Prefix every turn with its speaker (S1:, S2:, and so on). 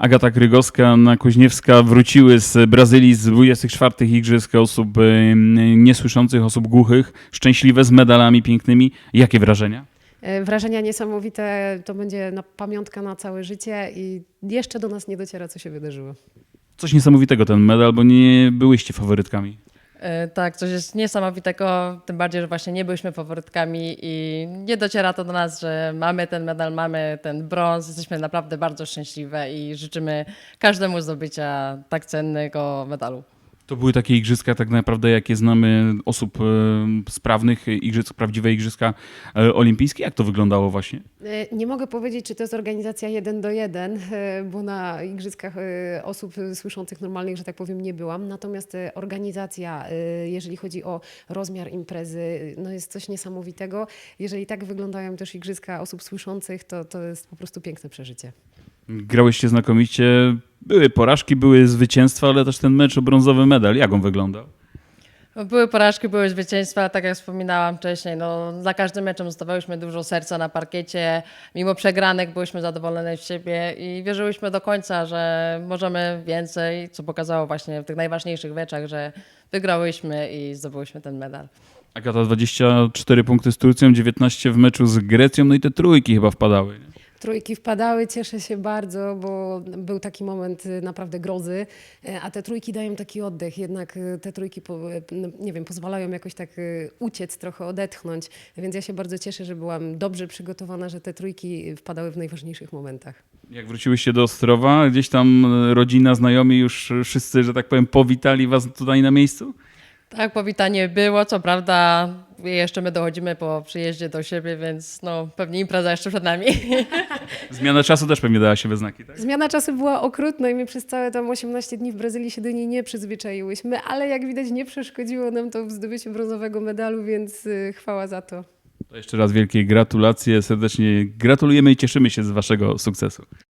S1: Agata Krygowska-Kuźniewska wróciły z Brazylii z 24. Igrzysk osób niesłyszących, osób głuchych, szczęśliwe, z medalami pięknymi. Jakie wrażenia?
S2: Wrażenia niesamowite, to będzie pamiątka na całe życie i jeszcze do nas nie dociera, co się wydarzyło.
S1: Coś niesamowitego ten medal, bo nie byłyście faworytkami.
S3: Tak, coś jest niesamowitego, tym bardziej, że właśnie nie byliśmy faworytkami i nie dociera to do nas, że mamy ten medal, mamy ten brąz. Jesteśmy naprawdę bardzo szczęśliwe i życzymy każdemu zdobycia tak cennego medalu.
S1: To były takie igrzyska tak naprawdę, jakie znamy osób sprawnych, igrzysk, prawdziwe igrzyska olimpijskie. Jak to wyglądało właśnie?
S2: Nie mogę powiedzieć, czy to jest organizacja 1:1, bo na igrzyskach osób słyszących normalnych, że tak powiem, nie byłam. Natomiast organizacja, jeżeli chodzi o rozmiar imprezy, no jest coś niesamowitego. Jeżeli tak wyglądają też igrzyska osób słyszących, to jest po prostu piękne przeżycie.
S1: Grałyście znakomicie. Były porażki, były zwycięstwa, ale też ten mecz o brązowy medal. Jak on wyglądał?
S3: Były porażki, były zwycięstwa, tak jak wspominałam wcześniej. No, za każdym meczem zostawałyśmy dużo serca na parkiecie. Mimo przegranek byłyśmy zadowolone z siebie i wierzyłyśmy do końca, że możemy więcej, co pokazało właśnie w tych najważniejszych meczach, że wygrałyśmy i zdobyłyśmy ten medal.
S1: Agata, 24 punkty z Turcją, 19 w meczu z Grecją, no i te trójki chyba wpadały. Nie?
S2: Trójki wpadały, cieszę się bardzo, bo był taki moment naprawdę grozy, a te trójki dają taki oddech, jednak te trójki, nie wiem, pozwalają jakoś tak uciec, trochę odetchnąć, więc ja się bardzo cieszę, że byłam dobrze przygotowana, że te trójki wpadały w najważniejszych momentach.
S1: Jak wróciłyście do Ostrowa, gdzieś tam rodzina, znajomi już wszyscy, że tak powiem, powitali was tutaj na miejscu?
S3: Tak, powitanie było, co prawda jeszcze my dochodzimy po przyjeździe do siebie, więc no, pewnie impreza jeszcze przed nami.
S1: Zmiana czasu też pewnie dała się we znaki, tak?
S2: Zmiana czasu była okrutna i my przez całe tam 18 dni w Brazylii się do niej nie przyzwyczaiłyśmy, ale jak widać nie przeszkodziło nam to w zdobyciu brązowego medalu, więc chwała za to.
S1: To jeszcze raz wielkie gratulacje, serdecznie gratulujemy i cieszymy się z waszego sukcesu.